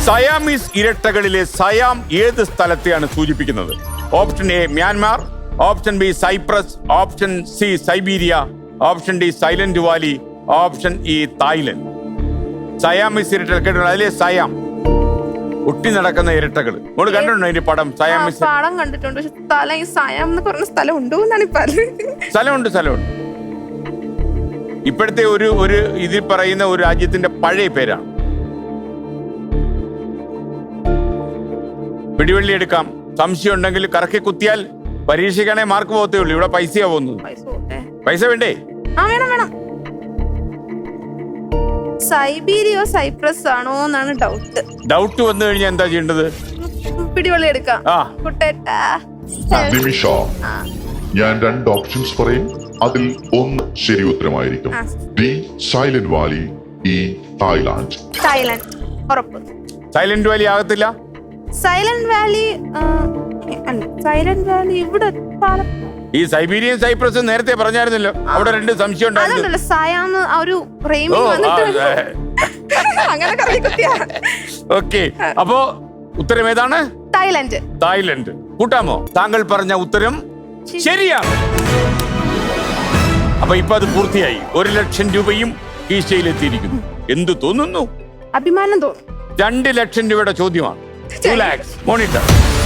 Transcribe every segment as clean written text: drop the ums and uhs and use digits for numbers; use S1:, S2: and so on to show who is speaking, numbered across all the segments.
S1: Siamese ഇരട്ടകളിലെ സയാം ഏത് സ്ഥലത്തെയാണ് സൂചിപ്പിക്കുന്നത്? Option A Myanmar, option B Cyprus, option C Siberia, option D Silent Valley, option E Thailand. Siamese ഇരട്ടകൾ കേട്ടോ, അതിലെ സയാം ഒട്ടി നടക്കുന്ന ഇരട്ടകൾ. നമ്മൾ കണ്ടിട്ടുണ്ടോ ഇതിന്റെ പടം? സയാമീസ്
S2: പടം കണ്ടിട്ടുണ്ട്. പക്ഷെ സ്ഥലം ഈ സയാം എന്ന് പറഞ്ഞ സ്ഥലം ഉണ്ടോ എന്നാണ്
S1: സ്ഥലമുണ്ട്. ഇപ്പോഴത്തെ ഒരു ഇതിൽ പറയുന്ന ഒരു രാജ്യത്തിന്റെ പഴയ പേരാണ്. പിടിവള്ളി എടുക്കാം. സംശയം ഉണ്ടെങ്കിൽ കറക്കി കുത്തിയാൽ പരീക്ഷയ്ക്കാണെ മാർക്ക് പോകത്തേ ഉള്ളൂ. ഇവിടെ പൈസയാ പോകുന്നത്. പൈസ വേണ്ടേ?
S2: വേണം. സൈബീരിയോ സൈപ്രസ് ആണോ എന്നാണ്
S1: ഡൗട്ട് വന്നു കഴിഞ്ഞാൽ എന്താ ചെയ്യേണ്ടത്?
S2: പിടിവള്ളി എടുക്കാം.
S3: നിമിഷ, ഞാൻ 2 ഓപ്ഷൻസ് പറയും. അതിൽ ഒന്ന് ശരി ഉത്തരമായിരിക്കും. D Silent Valley, E Thailand.
S2: ഉറപ്പ്.
S1: സൈലന്റ് വാലി ആകത്തില്ല.
S2: സൈലന്റ് വാലി ഇവിടെ
S1: ഈ സൈബീരിയൻ സൈപ്രസ് നേരത്തെ പറഞ്ഞായിരുന്നല്ലോ. അവിടെ 2 സംശയം ഉണ്ടായിരുന്നു. ഓക്കെ, അപ്പോ ഉത്തരം ഏതാണ്? തായ്ലൻഡ്. കൂട്ടാമോ? താങ്കൾ പറഞ്ഞ ഉത്തരം ശരിയാണ്. അപ്പൊ ഇപ്പൊ അത് പൂർത്തിയായി. 1,00,000 രൂപയും കീശയിലെത്തിയിരിക്കുന്നു. എന്തു തോന്നുന്നു?
S2: അഭിമാനം തോന്നുന്നു.
S1: 2,00,000 രൂപയുടെ ചോദ്യമാണ്. 2 lakhs. മോണിറ്റർ.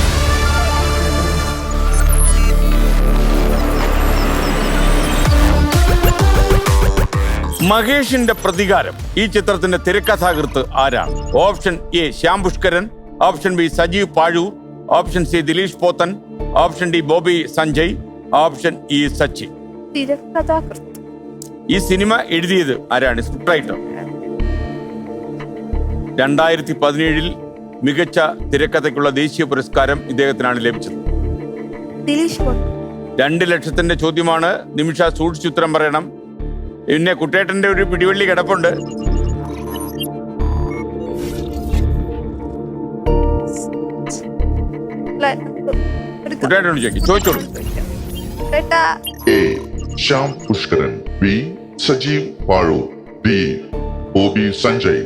S1: മഹേഷിന്റെ പ്രതികാരം ഈ ചിത്രത്തിന്റെ തിരക്കഥാകൃത്ത് ആരാണ്? Option A Shyam Pushkaran, option B Sajeev Pazhoor, option C Dileesh Pothan, option D Bobby Sanjay, option E Sachin. ഈ സിനിമ എഴുതിയത് ആരാണ്? Script writer. 2017 മികച്ച തിരക്കഥയ്ക്കുള്ള ദേശീയ പുരസ്കാരം ഇദ്ദേഹത്തിനാണ് ലഭിച്ചത്. 2,00,000 ചോദ്യമാണ്. നിമിഷ സൂക്ഷിച്ചുത്തരം പറയണം. പിന്നെ കുട്ടേട്ടന്റെ ഒരു പിടിവള്ളി കിടപ്പുണ്ട്. കുട്ടേട്ടനോട് ചോദിച്ചോളൂ.
S3: A Shyam Pushkaran, B Sajeev Pazhoor, D Bobby Sanjay.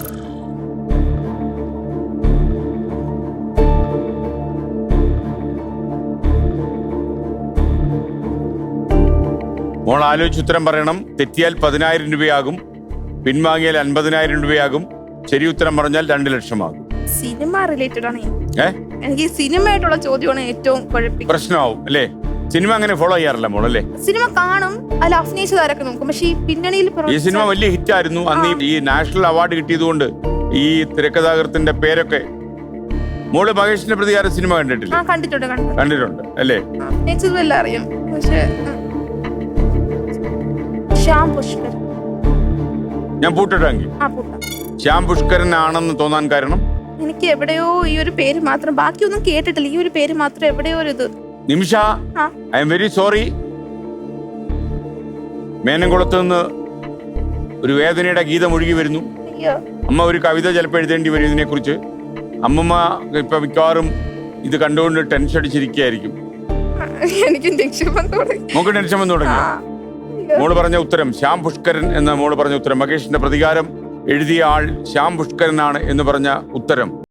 S1: മോൾ ആലോചിച്ച് ഉത്തരം പറയണം. തെറ്റിയാൽ 10,000 രൂപയാകും, പിൻവാങ്ങിയാൽ 50,000 രൂപയാകും, ശരി ഉത്തരം പറഞ്ഞാൽ 2,00,000 ആകും.
S2: സിനിമ റിലേറ്റഡ് ആണ്. എനിക്ക് സിനിമയായിട്ടുള്ള ചോദ്യമാണ് ഏറ്റവും
S1: പ്രശ്നമാവും അല്ലേ? സിനിമ അങ്ങനെ ഫോളോ ചെയ്യാറില്ല മോൾ അല്ലേ?
S2: സിനിമ കാണും, അതിൽ അഭിനയിച്ചതാരൊക്കെ നോക്കും. പക്ഷെ ഈ പിന്നണിയിൽ
S1: ഈ സിനിമ വലിയ ഹിറ്റ് ആയിരുന്നു. അന്ന് ഈ നാഷണൽ അവാർഡ് കിട്ടിയതുകൊണ്ട് ഈ തിരക്കഥാകൃത്തിന്റെ പേരൊക്കെ. മോള് മഹേഷിന്റെ പ്രതികാരം സിനിമ കണ്ടിട്ടില്ല? കണ്ടിട്ടുണ്ട് അല്ലേ?
S2: അഭിനയിച്ചതും അറിയാം. പക്ഷേ ശ്യാം പുഷ്കരൻ.
S1: ഞാൻ പൂട്ടിട്ടെങ്കിൽ ശ്യാം പുഷ്കരൻ ആണെന്ന് തോന്നാൻ കാരണം
S2: എനിക്ക് എവിടെയോ ഈ ഒരു പേര് മാത്രം, ബാക്കിയൊന്നും കേട്ടിട്ടില്ല. ഈ ഒരു പേര് മാത്രം എവിടെയോ ഒരു ഇത്.
S1: Nimisha, I am very sorry. മേനംകുളത്ത് നിന്ന് ഒരു വേദനയുടെ ഗീതം ഒഴുകി വരുന്നു. അമ്മ ഒരു കവിത ചിലപ്പോൾ എഴുതേണ്ടി വരും ഇതിനെ കുറിച്ച്. അമ്മമ്മ ഇപ്പൊ മിക്കവാറും ഇത് കണ്ടുകൊണ്ട് ടെൻഷൻ അടിച്ചിരിക്കുകയായിരിക്കും. നമുക്ക് ടെൻഷൻ വന്നു തുടങ്ങി. മോള് പറഞ്ഞ ഉത്തരം ശ്യാം പുഷ്കരൻ എന്ന മോള് പറഞ്ഞ ഉത്തരം. മഹേഷിന്റെ പ്രതികാരം എഴുതിയ ആൾ ശ്യാം പുഷ്കരനാണ് എന്ന് പറഞ്ഞ ഉത്തരം